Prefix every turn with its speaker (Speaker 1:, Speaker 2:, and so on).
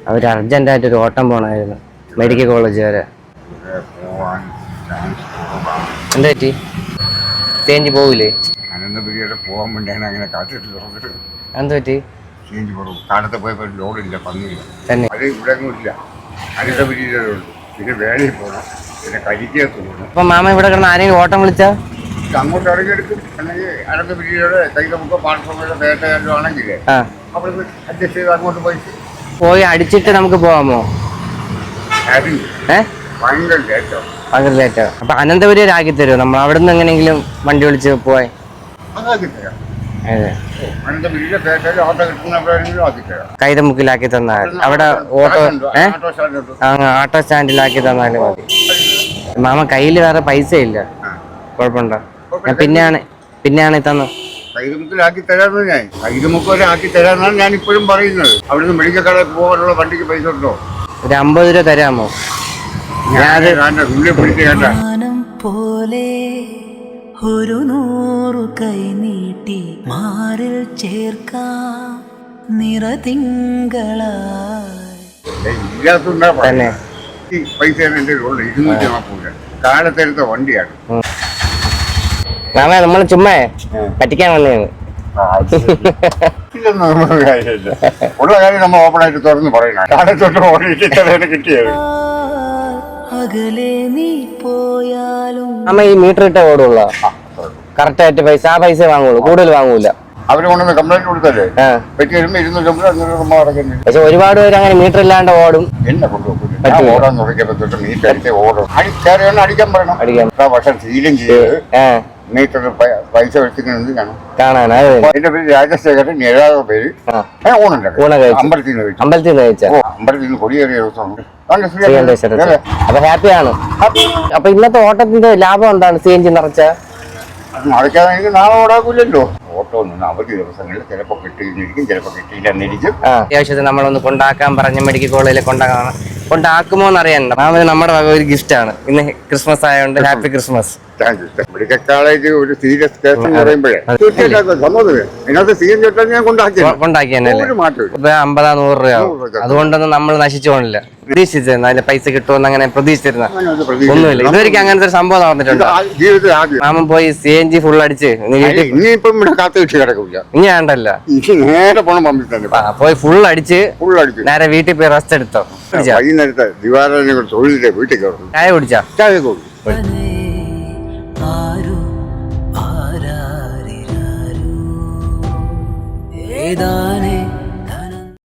Speaker 1: അവർ അർജന്റായിട്ട് ഒരു ഓട്ടം പോണായിരുന്നു medical college വരെ. എന്താ പറ്റി? ചേഞ്ച് പോവില്ലേ?
Speaker 2: അനന്തപുരിയുടെ പോകാൻ വേണ്ടിയാണ് അങ്ങനെ കാത്തിട്ട് തുറന്നിട്ട്.
Speaker 1: എന്താ പറ്റി?
Speaker 2: ചേഞ്ച് കുറവ്. കാലത്തെ പോയപ്പോൾ ലോഡില്ല, പന്നിയില്ല.
Speaker 1: തന്നെ
Speaker 2: അത് ഇവിടെ ഒന്നും ഇല്ല. അനന്തപുരിയിലേ ഉള്ളൂ. പിന്നെ വേലയിൽ പോകണം, പിന്നെ കരിക്കകത്ത് പോകണം.
Speaker 1: അപ്പൊ മാമ ഇവിടെ കിടന്ന് ആരെങ്കിലും ഓട്ടം വിളിച്ചാ
Speaker 2: അങ്ങോട്ട് ഇറങ്ങിയെടുക്കും. അല്ലെങ്കിൽ അനന്തപുരിയുടെ തൈകമുക്കോ പാർശ്വങ്ങളുടെ വേട്ടയാലും ആണെങ്കിൽ അവിടെ അഡ്ജസ്റ്റ് ചെയ്ത് അങ്ങോട്ട്
Speaker 1: പോയി അടിച്ചിട്ട് നമുക്ക് പോവാമോ?
Speaker 2: ഭയങ്കര ലേറ്റോ.
Speaker 1: ഭയങ്കര ലേറ്റോ. അപ്പൊ അനന്തപുരി ആക്കി തരുമോ? നമ്മൾ അവിടെ നിന്ന് എങ്ങനെയെങ്കിലും വണ്ടി വിളിച്ച് പോയി
Speaker 2: അതാക്കി തരാം. അനന്തപുരിയിലെ വേട്ടയിൽ ഓട്ടോ കിട്ടുന്ന ആക്കി തരാം.
Speaker 1: കൈതമുക്കിലാക്കി തന്നാൽ അവിടെ ഓട്ടോ സ്റ്റാൻഡിലാക്കി തന്നാലും മതി. മാമ കയ്യിൽ വേറെ പൈസ ഇല്ല. കുഴപ്പമുണ്ടോ? പിന്നെയാണ് തന്നു.
Speaker 2: കൈതമുക്കിലാക്കി തരാമെന്ന് ഞാൻ കൈതമുക്ക് വരെ ആക്കി തരാമെന്നാണ് ഞാൻ ഇപ്പോഴും പറയുന്നത്. അവിടുന്ന് മെഡിക്കൽ കടയിൽ പോകാനുള്ള വണ്ടിക്ക് പൈസ ഉണ്ടോ?
Speaker 1: ഒരു 50 രൂപ തരാമോ?
Speaker 3: പോലെ ഒരു 100 കൈ നീട്ടി മാറിൽ ചേർക്കാം
Speaker 2: നിറതിങ്കളായി. പൈസ എന്റെ ഉള്ളു 240 കാലത്തെടുത്ത വണ്ടിയാണ്.
Speaker 1: നമ്മൾ ചുമ്മാ പറ്റിക്കാൻ വന്നതാണ്.
Speaker 2: ഉള്ള കാര്യം നമ്മൾ ഓപ്പൺ ആയിട്ട് തുറന്ന് പറയണം. കാലത്തൊട്ട് ഓടിയിട്ട് കിട്ടിയത്.
Speaker 1: ഈ മീറ്റർ ഇട്ട ഓടുള്ള കറക്റ്റ് ആയിട്ട് പൈസ ആ പൈസ വാങ്ങുള്ളൂ, കൂടുതൽ വാങ്ങൂല.
Speaker 2: അവര് കൊണ്ടുവന്ന് കംപ്ലൈന്റ് കൊടുത്തല്ലേ പറ്റി വരുമ്പോ 250 അടക്കുന്നത്.
Speaker 1: പക്ഷെ ഒരുപാട് പേര് അങ്ങനെ മീറ്റർ ഇല്ലാണ്ട് ഓടും.
Speaker 2: എന്നെ കൊണ്ടുപോകും ഓടാൻ തുടങ്ങിയപ്പോ തൊട്ട് മീറ്റർ അടിച്ച് ഓടും. അടിക്കാൻ പറയണം. പക്ഷെ ശീലം ചെയ്ത് മീറ്ററിൽ പൈസ വെച്ചിട്ടുണ്ട്
Speaker 1: കാണാൻ.
Speaker 2: എന്റെ പേര് രാജശേഖരൻ. 7 പേര് അമ്പലത്തിൽ നിന്ന് കൊടിയേറിയ ദിവസമാണ്.
Speaker 1: അപ്പൊ ഹാപ്പിയാണ്. അപ്പൊ ഇന്നത്തെ ഓട്ടത്തിന്റെ ലാഭം എന്താണ്? CNG നിറച്ച
Speaker 2: നടക്കാതെ എനിക്ക് നാളെ ഓടാക്കൂലല്ലോ. ഓട്ടോ ഒന്നും അവധി ദിവസങ്ങളിൽ ചിലപ്പോ കിട്ടിയിരിക്കും, ചിലപ്പോ കിട്ടിയില്ലെന്നിരിക്കും.
Speaker 1: അത്യാവശ്യത്തിന് നമ്മളൊന്ന് കൊണ്ടാക്കാൻ പറഞ്ഞ മെഡിക്കൽ കോളേജിൽ കൊണ്ടാക്കുമോ എന്നറിയാൻ നമ്മുടെ വക ഒരു ഗിഫ്റ്റ് ആണ്. ഇന്ന് ക്രിസ്മസ് ആയതുകൊണ്ട് ഹാപ്പി ക്രിസ്മസ്.
Speaker 2: മെഡിക്കൽ കോളേജ് ഒരു സീരിയസ് കേസ് എന്ന് പറയുമ്പോഴേ ഇതിനകത്ത് CNG ഞാൻ
Speaker 1: കൊണ്ടാക്കിയല്ലേ 50-100 രൂപ. അതുകൊണ്ടൊന്നും നമ്മൾ നശിച്ചു പോണില്ല. പ്രതീക്ഷിച്ചിരുന്ന അതിന്റെ പൈസ കിട്ടുമെന്ന് അങ്ങനെ പ്രതീക്ഷിച്ചിരുന്ന ഒന്നുമില്ല. ഇതുവരെയ്ക്ക് അങ്ങനത്തെ ഒരു സംഭവം നടന്നിട്ടുണ്ട്. മാമൻ പോയി CNG ഫുൾ അടിച്ച്
Speaker 2: ഇനിയിപ്പം കാത്തു കിട്ടി കിടക്കില്ല.
Speaker 1: ഇനി വേണ്ടല്ല,
Speaker 2: നേരെ പോണം പമ്പിൽ തന്നെ
Speaker 1: പോയി ഫുൾ അടിച്ച് നേരെ വീട്ടിൽ പോയി റെസ്റ്റ് എടുത്തോ.
Speaker 2: വൈകുന്നേരത്തെ ദിവാരനെ തൊഴിലിന്റെ വീട്ടിൽ കയറും.
Speaker 1: ചായ കുടിച്ചാ?
Speaker 2: ചായ കൊടുക്കും.
Speaker 3: ഏതാനേ